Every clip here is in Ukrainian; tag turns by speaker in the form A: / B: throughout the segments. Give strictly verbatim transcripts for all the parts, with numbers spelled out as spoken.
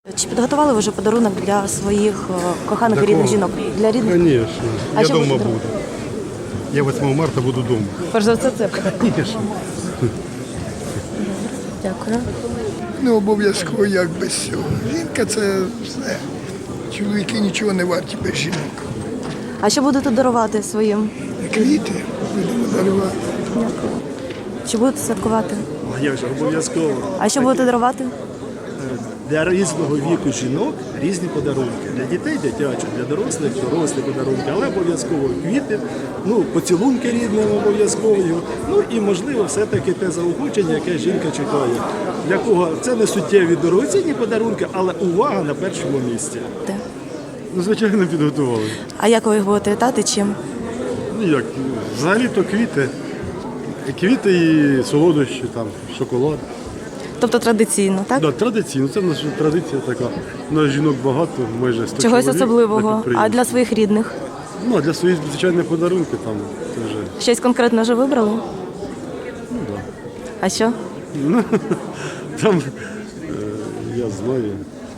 A: Чи підготували ви вже подарунок для своїх е, коханих і рідних жінок? Для рідних?
B: Конечно.
A: А
B: Я
A: що ви
B: дома
A: подаруєте?
B: буду. Я восьмого марта буду дома.
A: Перш за все це.
B: Конечно.
A: Дякую.
C: Не обов'язково як без цього. Жінка це все. Чоловіки нічого не варті без жінок.
A: А що будете дарувати своїм?
C: Квіти будемо дарувати.
A: Дякую. Чи будете святкувати?
D: А як же, обов'язково.
A: А що будете дарувати?
D: Для різного віку жінок різні подарунки. Для дітей дитячі, для дорослих дорослі подарунки, але обов'язково квіти, ну, поцілунки рідним обов'язково. Ну і, можливо, все-таки те заохочення, яке жінка чекає. Для кого це не суттєві дорогоцінні подарунки, але увага на першому місці.
A: Де?
B: Ну, звичайно, підготували.
A: А як ви їх будете вітати? Чим?
B: Ну як, взагалі-то квіти. Квіти і солодощі, там, шоколад.
A: Тобто традиційно, так?
B: Да, традиційно, це наша традиція така. У нас жінок багато, майже сто
A: Чогось
B: чоловік на
A: особливого. А
B: підприємстві.
A: для своїх рідних?
B: Ну, а для своїх, звичайно, подарунки там це вже,
A: Щось конкретно вже вибрали?
B: ну так.
A: А що?
B: Да. Там, е, я знаю,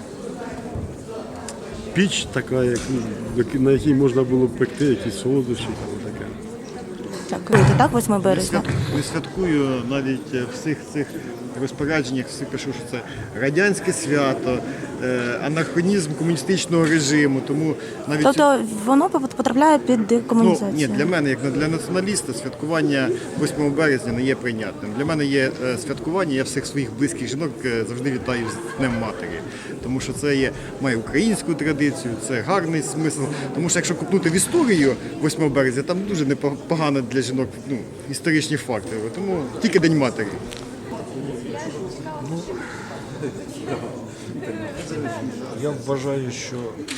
B: піч така, як, як- на якій можна було б пекти якісь солодощі, там таке.
A: Дякую. Так, восьмого березня.
E: Не святкую навіть в всіх цих розпорядженнях, всі пишу, що це радянське свято, е, анахронізм комуністичного режиму. Тому навіть
A: Тобто воно потрапляє під
E: ну,
A: декомунізацію?
E: ні, для мене, як для націоналіста, святкування восьмого березня не є прийнятним. Для мене є е, святкування, я всіх своїх близьких жінок е, завжди вітаю з Днем Матері. Тому що це є, має українську традицію, це гарний смисл. Тому що якщо купнути в історію восьмого березня, там дуже непогано для жінок, ну, історичні факти. Тому тільки День Матері.
F: Я вважаю, що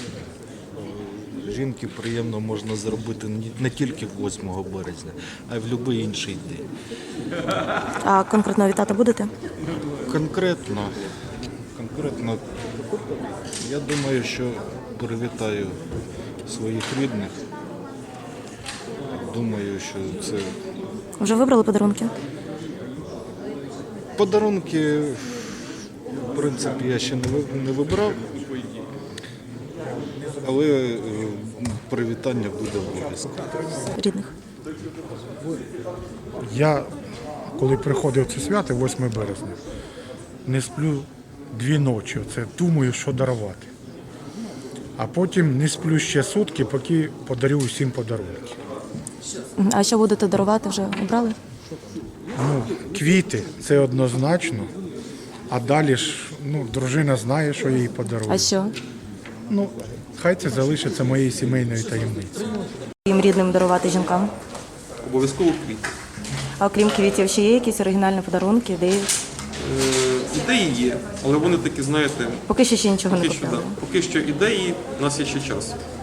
F: е, жінки приємно можна зробити ні- не тільки восьмого березня, а й в будь-який інший день.
A: А конкретно вітати будете?
F: Конкретно, конкретно, я думаю, що привітаю своїх рідних. Думаю, що це
A: Вже вибрали подарунки?
F: подарунки, в принципі, я ще не ви- не вибрав, але е, привітання буде обов'язково.
A: Рідних?
G: Я, коли приходив це свято, восьмого березня, не сплю дві ночі, це думаю, що дарувати. А потім не сплю ще сутки, поки подарю усім подарунки.
A: А що будете дарувати, вже обрали?
G: Ну, квіти це однозначно, а далі ж ну, дружина знає, що я їй подарую.
A: А що?
G: Ну, хай це залишиться моєю сімейною таємницею.
A: Їм рідним дарувати жінкам?
H: Обов'язково квіти.
A: А окрім квітів, ще є якісь оригінальні подарунки, ідеї?
H: Е, ідеї є, але вони такі, знаєте,
A: Поки що ще нічого не
H: поки що, да,
A: купили.
H: поки що ідеї, у нас є ще час.